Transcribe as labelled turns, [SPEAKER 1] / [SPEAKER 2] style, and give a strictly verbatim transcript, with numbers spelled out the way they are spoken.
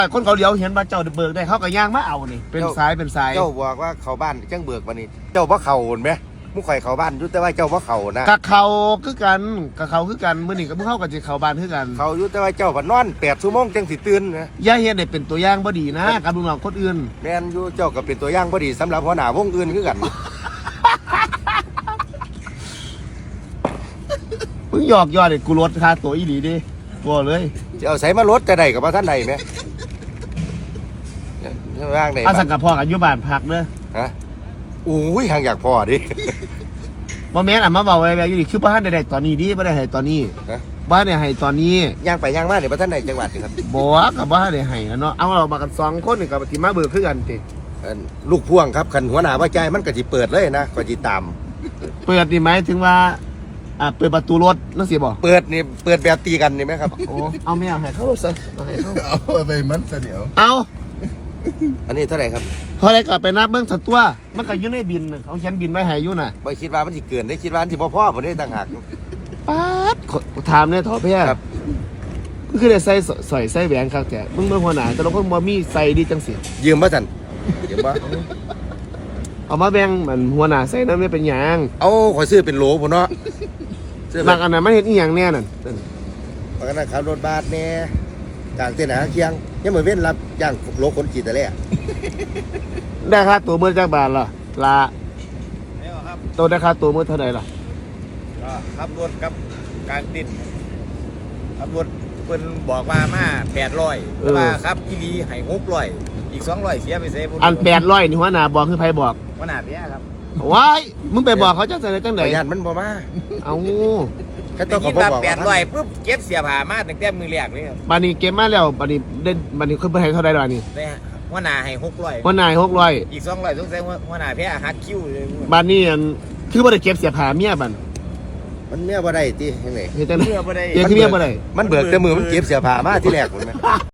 [SPEAKER 1] คนเขาเลี้ยวเห็นว่าเจ้าเบิกได้เขาก็ย่างมาเอานี่เป็นสายเป็นสาย
[SPEAKER 2] เจ้าบอกว่าเขาบ้านจังเบิกวันนี้เจ้าว่าเขาเห็นไหมมุ้งข่อยเขาบ้านยุ่แต่ว่าเจ้าว่าเขานะ
[SPEAKER 1] กะเขาคือกันกะเขาคือกันมื้อนี้ก็มึงเข้ากับสิเขาบ้านคือกัน
[SPEAKER 2] เขายุ่แต่ว่าเจ้าพันนอนแปดชั่วโมงจังสิตื่นนะ
[SPEAKER 1] อย่าเฮ็ดให้เป็นตัวอย่างบ่ดีนะกับลูกน้องคนอื่น
[SPEAKER 2] แม่นอยู่เจ้าก็เป็นตัวอย่างบ่ดีสำหรับหัวหน้าวงอื่นคือกัน
[SPEAKER 1] มึงหยอกยอดเลยกูลดค่าตัวอีหลีดิบ่เลย
[SPEAKER 2] จะเอาใส่มาลดจะได้กับว่าท่านใดไหมร่างไหน
[SPEAKER 1] อาสังกับพ่อกันอยู่บ้านพักเด้อ
[SPEAKER 2] ฮะอุ้ยห่างอยากพอดิ
[SPEAKER 1] บ่แม่นอ่ะมาเว้าไว้อยู่ดิคือบ่ทันได้ตอนนี้ดิบ่ได้ให้ตอนนี้
[SPEAKER 2] ฮะ
[SPEAKER 1] บ่ได้ให้ตอนนี้
[SPEAKER 2] ย่างไปย่างมาเดี๋ยวว่าท่านใดจังหวัดครับ
[SPEAKER 1] บ่ก็บ่ได้ให้เนาะเอาเรามากันสองคนนี่ก็สิมาเบิกคือกันติ
[SPEAKER 2] ลูกพ่วงครับคันหัวหน้าว่าใจมันก็สิเปิดเลยนะก็สิตาม
[SPEAKER 1] เปิดนี่หมายถึงว่าอ่าเปิดประตูรถนั่นสิบ่
[SPEAKER 2] เปิดนี่เปิดแบบตีกันนี่ไหมครับ
[SPEAKER 1] โอ้เอาไม่เอาให้เขาซะเอาให้เขา
[SPEAKER 3] เอาไปมันซะเดี๋ยว
[SPEAKER 1] เอา
[SPEAKER 2] อันนี้เท่าไหร่ครับ
[SPEAKER 1] พอได้ก็ไปนับเบิ่งสักตัวมันก็อยู่ในบินเขาเขียนบินไว้ให้อยู่น่ะ
[SPEAKER 2] บ่คิดว่ามันสิเกินได้คิดว่ามันสิบ่พอบ่ได้ต่างหาก
[SPEAKER 1] ป๊าดถามเนี่ยทอแพ้ครับคือได้ใส่สอยใส่แหวนครับแต่มึงเบิ่งหัวหน้าแต่ละคนบ่มีใส่ดีจังสิ
[SPEAKER 2] ยืมบ่ซั่นยืมบ่
[SPEAKER 1] เอามาแบ่งมันหัวหน้าใส่นำได้เป็นหยัง
[SPEAKER 2] เอาขอยซื้อเป็นโหลพุ่นเนาะ
[SPEAKER 1] บางอันนั้นมันเฮ็ดอีหยังแน่นั่น
[SPEAKER 2] บางอันนั้นขับรถบัสแน่กลางเต้นหาเคียงยังมื้อเว้นรับจ้างโหลคนขี่แต่แรก
[SPEAKER 1] ได้ค่าตัวมื้อจักบาทล่ะล่ะ
[SPEAKER 4] แล้วครับ
[SPEAKER 1] ตัวได้ค่าตัวมื้อเท่าใดล่ะ
[SPEAKER 4] ก็ขับรถกับกลางติดขับรถเพิ่นบอกว่ามาแปดร้อยแต่ว่าครับอีหลีให้หกร้อยอีกสองร้อยเสียไปเสีย
[SPEAKER 1] อันแปดร้อยนี่หัวหน้าบอกคือไผบอก
[SPEAKER 4] หัวหน้าเสียครับ
[SPEAKER 1] ว้ายมึงไปบอกเขาจังได๋จังได๋
[SPEAKER 2] ญาติมันบ่มา
[SPEAKER 1] เอา
[SPEAKER 2] แค่ต้องเขาบอกว่า
[SPEAKER 4] แปดร้อยปุ๊บเก็บเสียผ้ามาตั้งแต่มือแรกเลยครับ
[SPEAKER 1] บัดนี้เก็บมาแล้วบัดนี้ได้บัดนี้เพิ่นให้เท่าใดล่ะนี่
[SPEAKER 4] ได้หัวหน้าให้หกร้อย
[SPEAKER 1] หัวหน้าหกร้อย
[SPEAKER 4] อีกสองร้อยสงสัยหัวหน้าแพ้หักคิวเลย
[SPEAKER 1] บัดนี้อันคือบ่ได้เก็บเสียผ้าเมียบัด
[SPEAKER 2] มันเมียบ่ได้ติจังได๋
[SPEAKER 1] เฮ็ดจังได๋
[SPEAKER 4] เมียบ่ได้
[SPEAKER 1] เฮ็ดคือเมียบ่ได้
[SPEAKER 2] มันเบิกแต่มือมันเก็บเสื้อผ้ามาที่แรกพุ่นแม่